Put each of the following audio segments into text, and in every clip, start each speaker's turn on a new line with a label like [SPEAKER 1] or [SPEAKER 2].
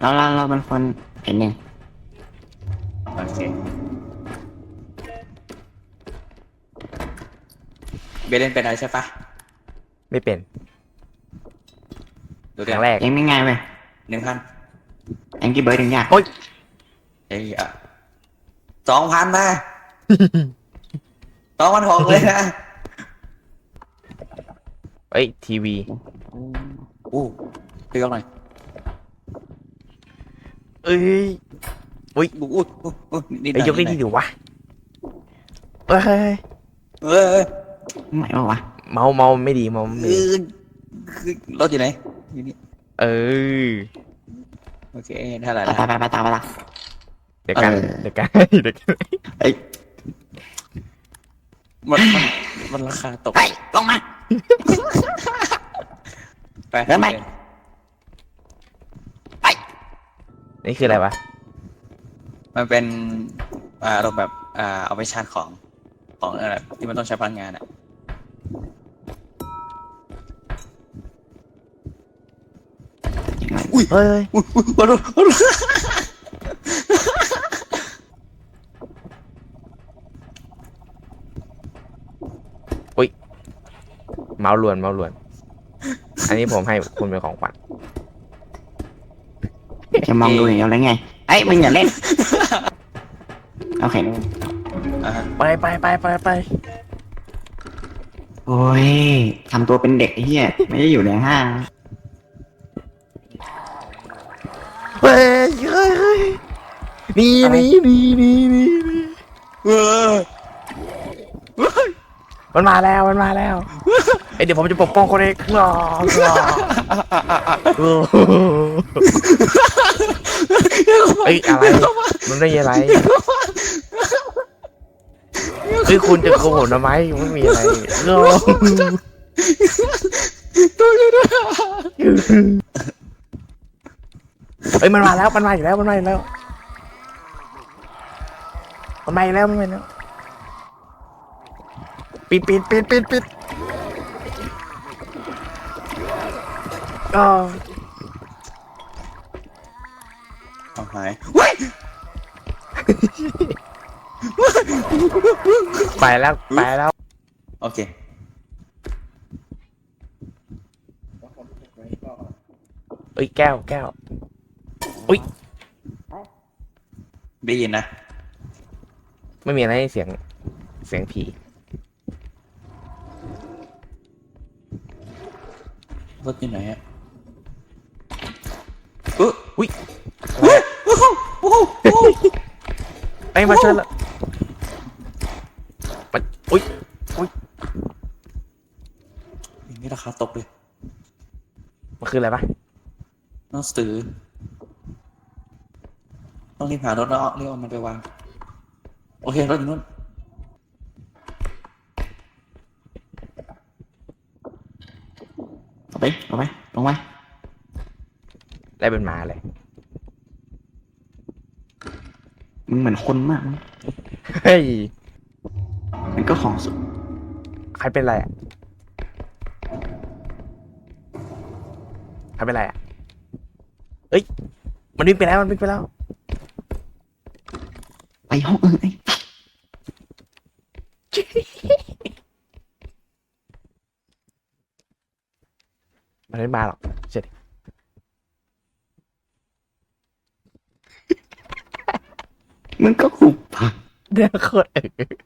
[SPEAKER 1] เราเป็นคนเห็นเอง
[SPEAKER 2] โอเคเบเล่นเป็นอะไรใช่ปะ
[SPEAKER 3] ไม่เป็น
[SPEAKER 2] ดู
[SPEAKER 3] ครั้งแรก
[SPEAKER 1] เองไม่ง่ายเว้ย
[SPEAKER 2] 1,000
[SPEAKER 1] แองกี้เบิร์ดยังยาก
[SPEAKER 3] โอ๊ย
[SPEAKER 2] เอ้ยอ่ะ2,000นะ2,600เลยนะ
[SPEAKER 3] เอ้ยทีวี
[SPEAKER 2] อู้พี่ยกหน่อย
[SPEAKER 3] เอ้ย
[SPEAKER 2] อู้นิดห
[SPEAKER 3] ไอ้
[SPEAKER 2] น่อย
[SPEAKER 3] ยกได้ดีดูวะเอ้ย
[SPEAKER 2] เอ้ย
[SPEAKER 1] ไม่วะ
[SPEAKER 3] เมาไม่ดีเมาไม่
[SPEAKER 2] เอ
[SPEAKER 3] ดี
[SPEAKER 2] อคือรถอยู่ไหนอยู่นี่
[SPEAKER 3] เออ
[SPEAKER 2] โอเคเท่าไหร่
[SPEAKER 1] ไป
[SPEAKER 2] ละ
[SPEAKER 1] ตามไปละ
[SPEAKER 3] เดี๋ยวกัน
[SPEAKER 1] เออ
[SPEAKER 3] เดี๋ยวกันเดี๋ยวกัน
[SPEAKER 1] เอ้ย
[SPEAKER 2] มันราคาตก
[SPEAKER 1] ไปลงมา
[SPEAKER 2] ไป
[SPEAKER 1] เดินไป ไป
[SPEAKER 3] นี่คืออะไรวะ
[SPEAKER 2] มันเป็นอารมณ์แบบเอาไปชาร์จของอะไรที่มันต้องใช้พลังงานอ่ะ
[SPEAKER 3] เฮ้ย
[SPEAKER 2] บอลลูน
[SPEAKER 3] เมาล้วนอันนี้ผมให้คุณเป็นของขวัญ
[SPEAKER 1] จะมองดูอย่างเดียวเลยไงไอ้ยมึงอย่าเล่นโอเค
[SPEAKER 2] อ่าฮะ
[SPEAKER 3] ไป
[SPEAKER 1] โอ้ยทำตัวเป็นเด็กไอ้เหี้ยไม่ได้อยู่ในห้าง
[SPEAKER 3] เฮ้ยนี่
[SPEAKER 2] เออ
[SPEAKER 3] มันมาแล้วไอเดี๋ยวผมจะปกป้องคนเองเอ้ยอะไรมันได้ยังไงเฮ้ยคุณจะโกหกทำไมไม่มีอะไรเฮ้ยมันมาแล้วปิดอ๋อ
[SPEAKER 2] เอาหายเว้ย
[SPEAKER 3] ไปแล้ว
[SPEAKER 2] โอเค
[SPEAKER 3] เอ้ยแก้วอุ้ย
[SPEAKER 2] ได้ยินนะ
[SPEAKER 3] ไม่มีอะไรให้เสียงผี
[SPEAKER 2] รถอยู่ไหนอ่ะอุ้ย
[SPEAKER 3] ไอ้ยมาช่วยละมันอุ้ย
[SPEAKER 2] อย่างนี้ราคาตกเลย
[SPEAKER 3] มันคืออะไรปะ
[SPEAKER 2] น้องซื้อต้องรีบหารถแล้วเรียกเอามันไปวางโอเครถอยู่นู้น
[SPEAKER 1] เอาไปลงไป
[SPEAKER 3] ได้เป็นหมาเลย
[SPEAKER 1] มึงเหมือนคนมากมั้ง
[SPEAKER 3] เฮ้ย
[SPEAKER 1] มันก็ของสุด
[SPEAKER 3] ใครเป็นไรอ่ะเอ้ยมันวิ่งไปแล้ว
[SPEAKER 1] ไปห้องอื่นไอ้
[SPEAKER 3] มันไม่มาหรอกเสร็จ
[SPEAKER 1] มึงก็หุบปาก
[SPEAKER 3] เดี๋ยวโคตร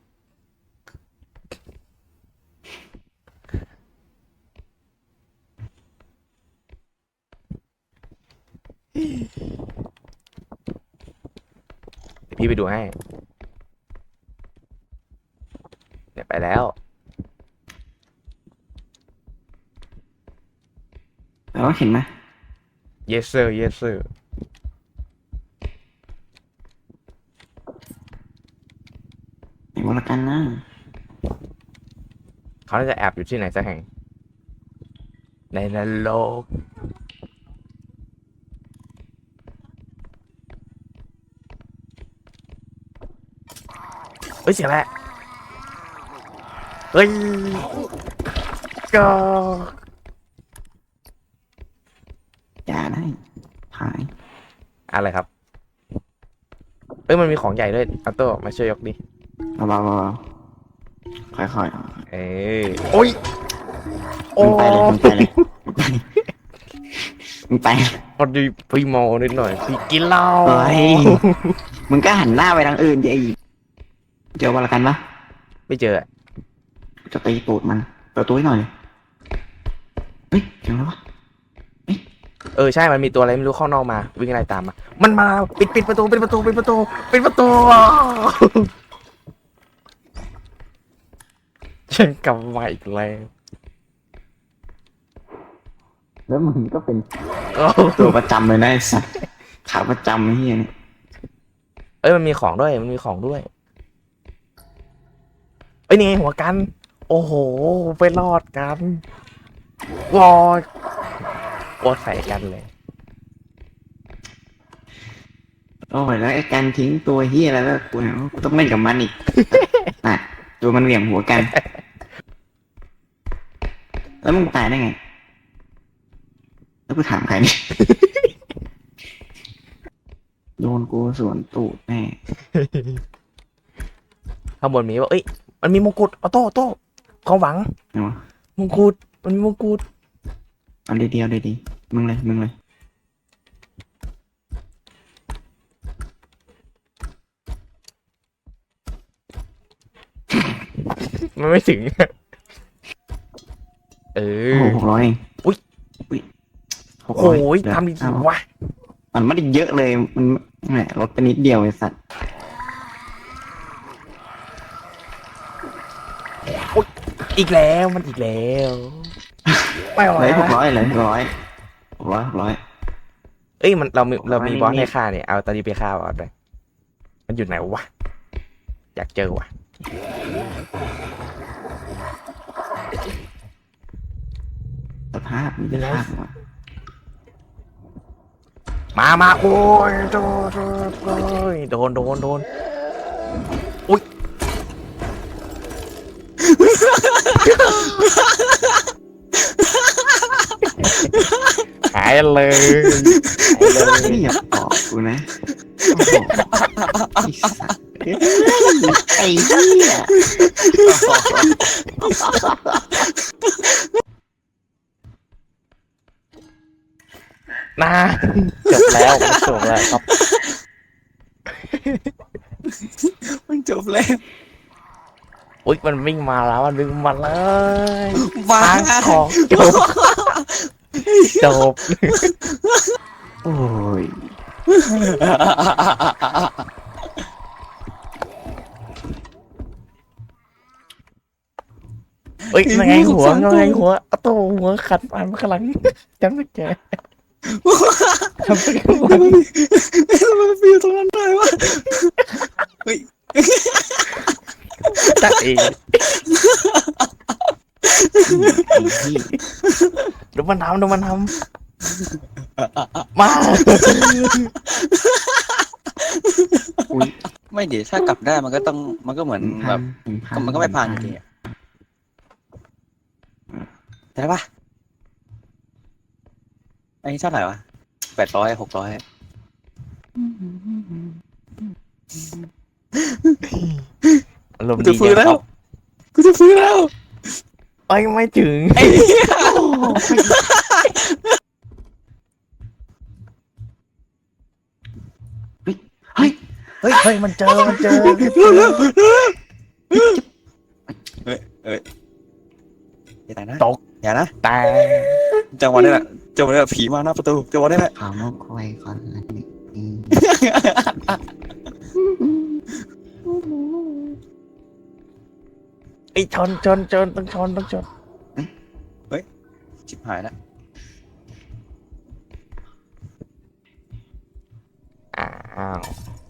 [SPEAKER 3] พี่ไปดูให้เนี่ยไปแล้ว
[SPEAKER 1] แล้วเห็นไหม
[SPEAKER 3] yes sir
[SPEAKER 1] ไหนวะละกันนะ
[SPEAKER 3] เขาน่าจะแอบอยู่ที่ไหนสักแห่งในนรกเฮ้ยเสียงแหละเฮ้ยก็
[SPEAKER 1] อย่าได้หาย
[SPEAKER 3] อะไรครับเอ้ยมันมีของใหญ่ด้วยอัลโต้มาช่วยยกดิ
[SPEAKER 1] เบาๆค่อย
[SPEAKER 3] เอ้ยโอ้ย
[SPEAKER 1] ๆ
[SPEAKER 3] โอ้
[SPEAKER 1] มึงไปเลยมึงไป
[SPEAKER 3] พอดีพี่เมานิดหน่อยพี่กินเหล้า
[SPEAKER 1] เฮ้ยมึงก็หันหน้าไปทางอื่นดิเจอวันละกันปะ
[SPEAKER 3] ไม่เจอ
[SPEAKER 1] จะตีตูดมันเปิดตัวให้หน่อยเลยเฮ้ยเจอแล้ววะ
[SPEAKER 3] ใช่มันมีตัวอะไรไม่รู้ข้างนอกมาวิ่งไล่ตามมามันมาปิดประตูปิดประตูปิดประตูปิดประตูฉันกลับมาอีกแล้ว
[SPEAKER 1] แล้วมึงก็เป็น
[SPEAKER 3] โอ้
[SPEAKER 1] ตัวประจำเลยนะไอ้สัสขาประจำไอ้เฮียนี่
[SPEAKER 3] มันมีของด้วยมันมีของด้วยนี่ไงหัวกันโอ้โหไปรอดกันวอดใส่กันเลย
[SPEAKER 1] โอ้ยแล้วไอ้การทิ้งตัวเฮียแล้วกูเนี่ยกูต้องเล่นกับมันอีก น่ะตัวมันเหวี่ยงหัวกัน แล้วมึงตายได้ไง แล้วกูถามใครเนี่ย โดนกูสวนตูดแน่
[SPEAKER 3] ข้างบนมีว่ามันมีมงกุฎโต้ความหวัง
[SPEAKER 1] เนาะ
[SPEAKER 3] มงกุฎมันมีมงกุฎ
[SPEAKER 1] เอาดีๆเอาดีๆมึงเลย
[SPEAKER 3] มันไม่ถึง
[SPEAKER 1] โอ้โห600เอง
[SPEAKER 3] อุ๊ย
[SPEAKER 1] 600
[SPEAKER 3] โอ้ย
[SPEAKER 1] เดี๋ว
[SPEAKER 3] ทำดี
[SPEAKER 1] เอา
[SPEAKER 3] วะ
[SPEAKER 1] มันไม่ได้เยอะเลย มันแหมลดไปนิดเดียวไอ้สัตว์
[SPEAKER 3] อีกแล้วมันอีกแล้วไม่ไหว
[SPEAKER 1] เลย
[SPEAKER 3] แล้ว
[SPEAKER 1] 600เลย600
[SPEAKER 3] มันเรามี
[SPEAKER 1] 600
[SPEAKER 3] บอส
[SPEAKER 1] นิ
[SPEAKER 3] ให้
[SPEAKER 1] ดๆ
[SPEAKER 3] ฆ่าเนี่ยเอาตอนนี้ไปฆ่าบอสเลยมันอยู่ไหนวะอยากเจอวะ
[SPEAKER 1] สภาพมันจะภาพวะ
[SPEAKER 3] มาโอ้ยโดนอุ๊ยหายเลย
[SPEAKER 1] นี่อย่าบอกกูนะโอ้โหไอ้สัตว์ไอ้เหี้ย
[SPEAKER 3] นะจบแล้วครับ
[SPEAKER 2] มันจบแล้ว
[SPEAKER 3] อุ๊ยมันวิ่งมาแล้วมันวิ่งมาเลย
[SPEAKER 2] บ้า
[SPEAKER 3] ทางของจบ
[SPEAKER 1] โอ้ย
[SPEAKER 3] ยังไงหัวเอาตัวหัวขัดฟันข้างหลังจำไม่เจอทำไปหัว
[SPEAKER 2] มันฟิวตรงนั้นได้วะเฮ้ย
[SPEAKER 3] ตัดเอง
[SPEAKER 1] ไอ้เหี้ย
[SPEAKER 3] ดูมันทำมา
[SPEAKER 1] อุ๊ย
[SPEAKER 2] ไม่เดี๋ยวถ้ากลับได้มันก็เหมือนแบบ
[SPEAKER 1] 1,000
[SPEAKER 2] มันก็ไม่พังจริงๆอะได้ปะอันนี้เท่าไหร่วะ800 600
[SPEAKER 3] อารมณ์
[SPEAKER 2] กู
[SPEAKER 3] ดี
[SPEAKER 2] จะฟื้น
[SPEAKER 3] จัง
[SPEAKER 2] แล้
[SPEAKER 3] คว รับ
[SPEAKER 2] กูจะฟื้นแล้ว
[SPEAKER 3] ไม่ถึง
[SPEAKER 2] ไอ้เหี้ย
[SPEAKER 1] เฮ้ย
[SPEAKER 3] เฮ้ยมันเจอ
[SPEAKER 2] อย่าตายนะ
[SPEAKER 3] ตก
[SPEAKER 2] อย่านะ
[SPEAKER 3] แต่
[SPEAKER 2] จังหวะนี้แหละผีมาหน้าประตูจังหวะนี้แหละ
[SPEAKER 1] ขาวมกควยก่อนละนี่
[SPEAKER 3] ชนต้องชน
[SPEAKER 2] ชิบหายแล้ว
[SPEAKER 3] อ้าว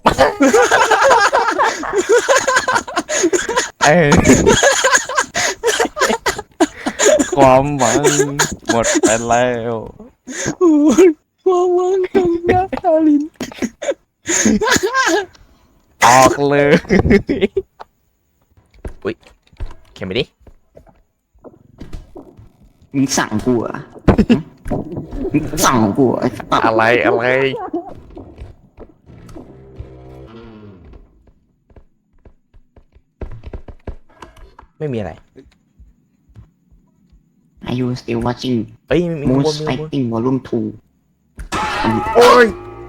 [SPEAKER 3] ความหวังหมดไปแล้ว
[SPEAKER 2] ความหวังของนักตาลิน
[SPEAKER 3] ออกเลยอุ๊ยเข็มไปดิ
[SPEAKER 1] มึงสั่งกูเหรอมึงสั่งกูเหรอไอ้สัตว์
[SPEAKER 3] อะไรไม่มีอะไร
[SPEAKER 1] Are you still watching
[SPEAKER 3] เอ้ยมีข้างบน
[SPEAKER 1] Moose
[SPEAKER 3] มีข้างบน
[SPEAKER 1] Fighting Volume 2
[SPEAKER 3] โอ้ย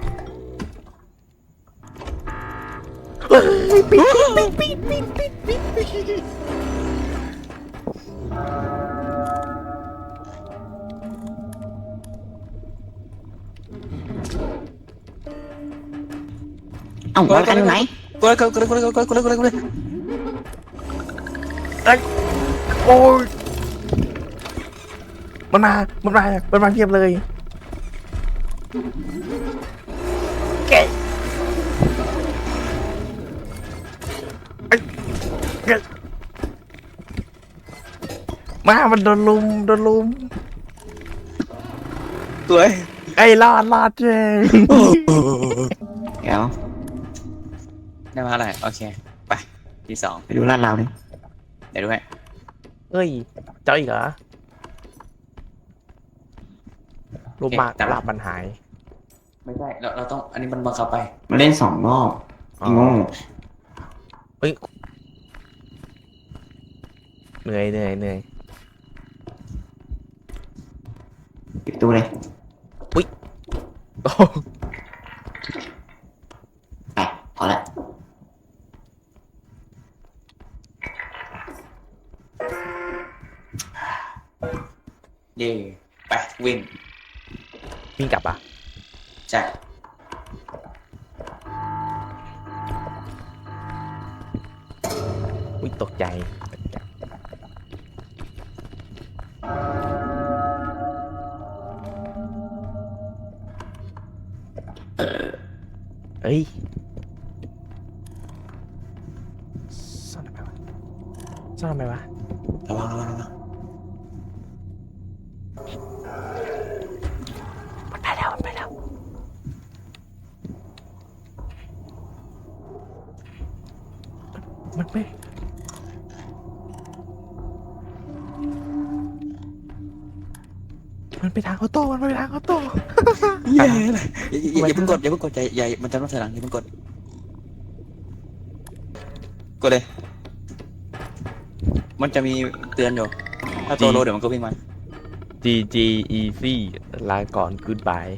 [SPEAKER 3] เฮ้ยปิด
[SPEAKER 1] เอ้าแล้วกันอยู่ไหน
[SPEAKER 2] กูเลย
[SPEAKER 3] โอ้ยมันมาเทียบเลยเก๋มันโดนลุม
[SPEAKER 2] สวย
[SPEAKER 3] ไอ้รอดเจ้
[SPEAKER 1] เดี๋ยว
[SPEAKER 2] ได้มาอะไรโอเคไปที่สอง
[SPEAKER 1] ไปดูลาดเราดิ
[SPEAKER 2] เดี๋ยวด้วย
[SPEAKER 3] เอ้ยเจ้าอีกเหรอรูปมากลาบมันหาย
[SPEAKER 2] ไม่ใช่เราต้องอันนี้มันบังคับไป
[SPEAKER 1] มาเล่น2 รอบไอ้โง่
[SPEAKER 3] เฮ้ยเหนื่อย
[SPEAKER 1] ปิดตู้เลย
[SPEAKER 3] โอ้
[SPEAKER 1] ไปพอละ
[SPEAKER 2] เย่ไปวิ่ง
[SPEAKER 3] วิ่งกลับอ่ะ
[SPEAKER 2] ใช่
[SPEAKER 3] อุ้ยตกใจเอ้ยซ่อนทำไมวะ
[SPEAKER 2] ระวัง
[SPEAKER 3] มันไปแล้วมันไม่มันไปทางออโต้
[SPEAKER 2] เย่เลยอย่าเพิ่งกดอย่ามันจะต้องถอยหลังอย่าเพิ่งกดเลย มันจะมีเตือนอยู่ถ้าตัวโลเดี๋ยวมันก็วิ่งมา
[SPEAKER 3] GG easy ลาก่อน goodbye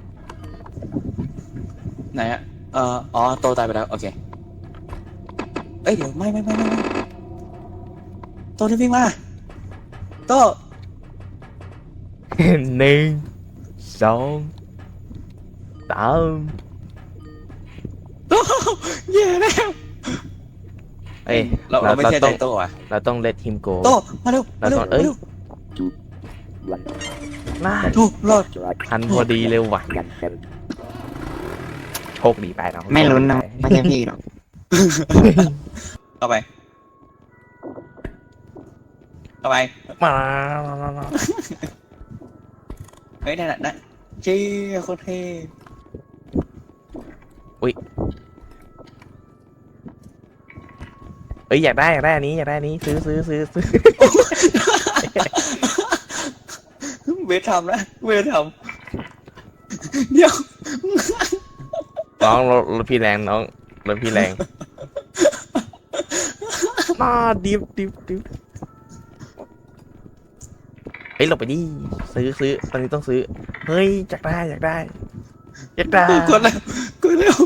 [SPEAKER 2] ไหนอะอ๋อโตตายไปแล้วโอเคเอ้ยเดี๋ยวไม่โตนี่วิ่งมาโต
[SPEAKER 3] 1 2 3
[SPEAKER 2] เย่แล้ว
[SPEAKER 3] เอ้ย
[SPEAKER 2] เราไม่เชื่อใจโตอ่ะ
[SPEAKER 3] เราต้อง let him go
[SPEAKER 2] โตมาเร็ว
[SPEAKER 3] เราต้องน่า
[SPEAKER 2] ถูกรอด
[SPEAKER 3] ทันพอดีเลยว่ะโชคดีไปน้อง
[SPEAKER 1] ไม่ลุ้นนะไม่ใช่พี่หรอก
[SPEAKER 2] เข้าไป
[SPEAKER 3] มา
[SPEAKER 2] เฮ้ยนั่นน่ะเจ๊โคตรเท่
[SPEAKER 3] เอ้ยอยากได้อันนี้ซื้อ
[SPEAKER 2] เวททำนะเดี๋ยว
[SPEAKER 3] น้องรถพี่แรงน้องรถพี่แรงน่าดิบเฮ้ยหลบไปดิซื้อตอนนี้ต้องซื้อเฮ้ยอยากได้
[SPEAKER 2] กดเร็ว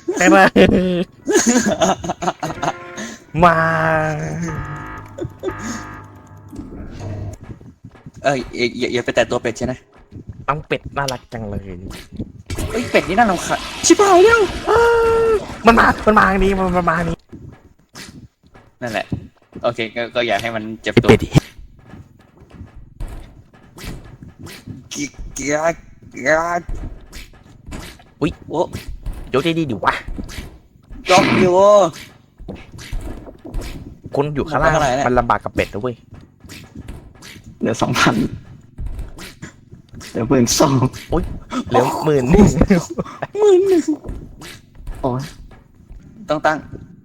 [SPEAKER 3] มา
[SPEAKER 2] อย่าไปแตะตัวเป็ดใช่ไหม
[SPEAKER 3] น้องเป็ดน่ารักจังเลย
[SPEAKER 2] เฮ้ยเป็ดนี่น่ารำคาญชิบหายแล้ว
[SPEAKER 3] มันมาทางนี้มันมาทางนี้
[SPEAKER 2] นั่นแหละโอเคก็อยากให้มันเจ็บตัว
[SPEAKER 3] เป็ด
[SPEAKER 2] เกียร์
[SPEAKER 3] อุ๊ย
[SPEAKER 2] โอ้
[SPEAKER 3] ยกได้ดีดิวะ
[SPEAKER 2] ยกอยู่
[SPEAKER 3] คนอยู่ข้างล่าง
[SPEAKER 2] เท่าไหร่เนี่ย
[SPEAKER 3] มันลำบากกับเป็ดนะเว้ย
[SPEAKER 1] เหลือ 2,000เหลือ12,000
[SPEAKER 3] เหลือ10,000
[SPEAKER 1] โอ้ย
[SPEAKER 2] ต้องตั้ง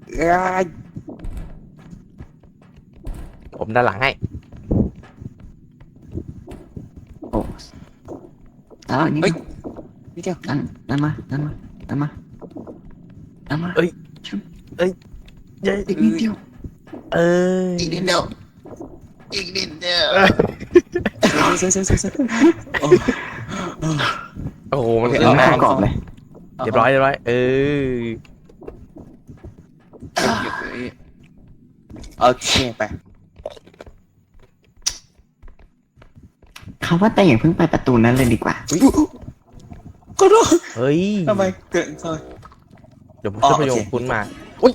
[SPEAKER 3] ผมด้านหลังให้
[SPEAKER 1] โอ้แล้วนี่
[SPEAKER 2] เฮ้ยนี่เดียว
[SPEAKER 1] นั่นมา
[SPEAKER 3] เอ้ย เย้
[SPEAKER 1] อีกนิดเดียว
[SPEAKER 3] เออ
[SPEAKER 1] อีกนิดเดียวอีกนิดเดียว
[SPEAKER 2] เซ่โอ้
[SPEAKER 3] โอ้โหมัน
[SPEAKER 1] เดี๋
[SPEAKER 3] เห็
[SPEAKER 1] ย
[SPEAKER 3] น
[SPEAKER 1] วไม่
[SPEAKER 3] มา
[SPEAKER 1] ประกอบเลย
[SPEAKER 3] เรียบร้อยเออ
[SPEAKER 2] โอเคไป
[SPEAKER 1] เขาว่าแต่อย่าเพิ่งไปประตูนั้นเลยดีกว่า
[SPEAKER 2] ก็รู้
[SPEAKER 3] เฮ้ย
[SPEAKER 2] ทำไมเกิดซอย
[SPEAKER 3] เดี๋ยวผม
[SPEAKER 2] อ๋อ
[SPEAKER 3] จะไปโย
[SPEAKER 2] โอเค
[SPEAKER 3] งคุณมาอุ้ย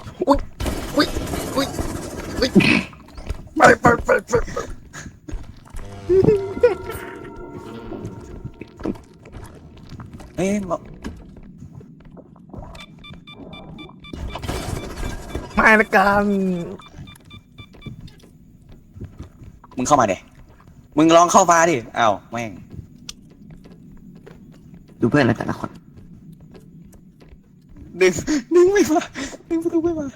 [SPEAKER 3] ไป
[SPEAKER 2] เอ้ย
[SPEAKER 3] ไม่ละกัน
[SPEAKER 2] มึงเข้ามาเด็มึงลองเข้ามาดิอ้าวแม่ง
[SPEAKER 1] ดูเพื่อนแล้วแต่ละคน
[SPEAKER 2] ดึงไม่มาดึงประตูไม่มาก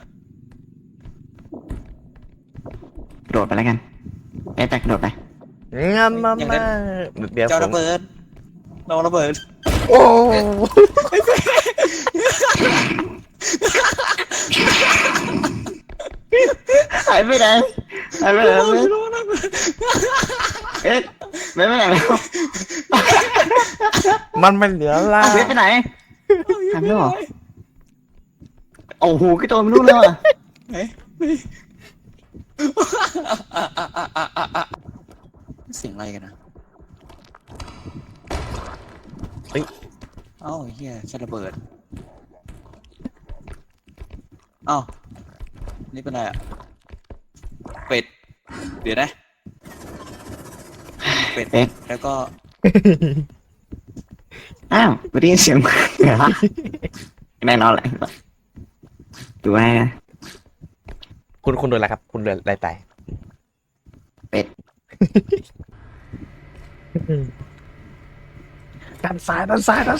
[SPEAKER 1] ระโดดไปแล้วกันไอ้แต่กระโดดไป
[SPEAKER 3] งั้นมาเดี๋ยว
[SPEAKER 2] เจ้า
[SPEAKER 3] ผ
[SPEAKER 2] ระ
[SPEAKER 3] ม
[SPEAKER 2] เบิดน้องระเบิด
[SPEAKER 3] โอ้
[SPEAKER 1] หายไปไหนหายไปไหนเอ๊ะไม่ไปไหนแล้ว
[SPEAKER 3] มันไม่เหลือละ
[SPEAKER 1] เอาเวทไปไหนหายไปแล้วเหรอโอ้โหกระโดดไม่รู้เลยว่ะ
[SPEAKER 2] ไหนเสียงอะไรกันนะเฮ้ยเอ้าเฮียแค่ระเบิดเอ้านี่เป็นอะไรอ่ะเป็ดเดี๋ยวนะเป็ดแล้วก็
[SPEAKER 1] อ้าวไม่ได้ยินเสียงเหรอแน่นอนแหละดูให้นะ
[SPEAKER 3] คุณโดนอะไรครับ คุณโดนอะไรตาย
[SPEAKER 1] เป็ด
[SPEAKER 3] ด้านซ้าย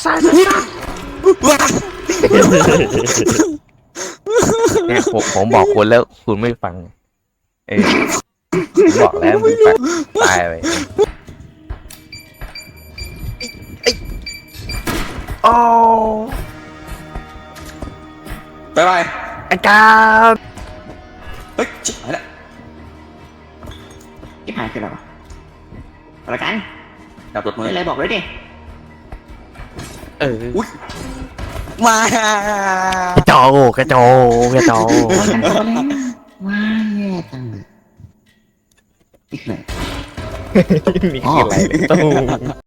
[SPEAKER 3] เนี่ยผมบอกคุณแล้วคุณไม่ฟังผมบอกแล้วมึงฟังตายไปโอ้
[SPEAKER 2] ไปไป
[SPEAKER 3] อาจารย์
[SPEAKER 2] เฮ้ยชิบหายละ
[SPEAKER 1] ที่หายคืออะไรวะเอาละกัน
[SPEAKER 2] ดับรถมือ
[SPEAKER 1] ไม่อะไรบอกเลยดิ
[SPEAKER 2] อุ้ยมา
[SPEAKER 3] กระโจกระโจ
[SPEAKER 1] ว้าแย่จังเลยนี่คืออะไร
[SPEAKER 3] นี่คืออะไรตู้